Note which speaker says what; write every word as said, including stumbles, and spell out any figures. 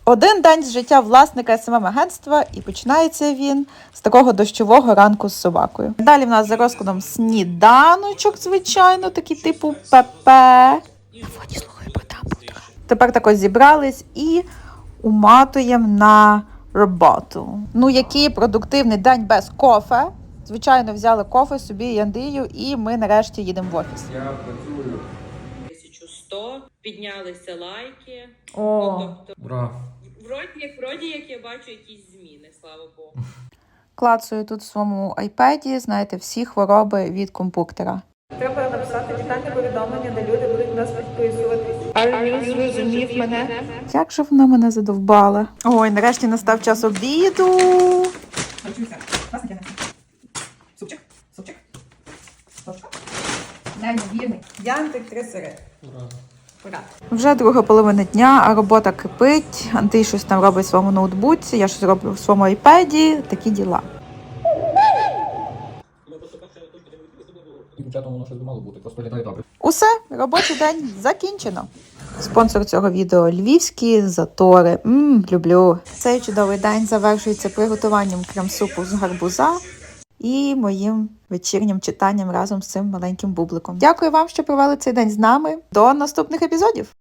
Speaker 1: Один день з життя власника ес ем ем-агентства, і починається він з такого дощового ранку з собакою. Далі в нас за розкладом сніданочок, звичайно, такий типу ПП. На фоні слухаю про Дамблдора. Тепер так ось зібрались і уматуємо на роботу. Ну, який продуктивний день без кофе. Звичайно, взяли кофе собі і Андрію, і ми нарешті їдемо в офіс.
Speaker 2: Я працюю.
Speaker 3: тисяча сто, піднялися лайки.
Speaker 1: О.
Speaker 3: Ну, тобто,
Speaker 2: Ура.
Speaker 3: вроді як, вроді як я бачу якісь зміни, слава Богу.
Speaker 1: Клацаю тут в своєму айпеді, знаєте, всі хвороби від комп'ютера. Треба написати вітальне повідомлення, де люди будуть нас підписуватись. Армін зрозумів мене. Як же вона мене задовбала. Ой, нарешті настав час обіду.
Speaker 4: Супчик, супчик, супчик. Неймовірний. Янтик три сири.
Speaker 2: Ура.
Speaker 4: Ура.
Speaker 1: Вже друга половина дня, а робота кипить. Андрій щось там робить в своєму ноутбуці, я щось роблю в своєму айпеді. Такі діла.
Speaker 2: Дівчатам воно щось би мало бути, просто літає добре.
Speaker 1: Усе, робочий день закінчено. Спонсор цього відео – львівські затори. Ммм, люблю. Цей чудовий день завершується приготуванням крем-супу з гарбуза і моїм вечірнім читанням разом з цим маленьким бубликом. Дякую вам, що провели цей день з нами. До наступних епізодів!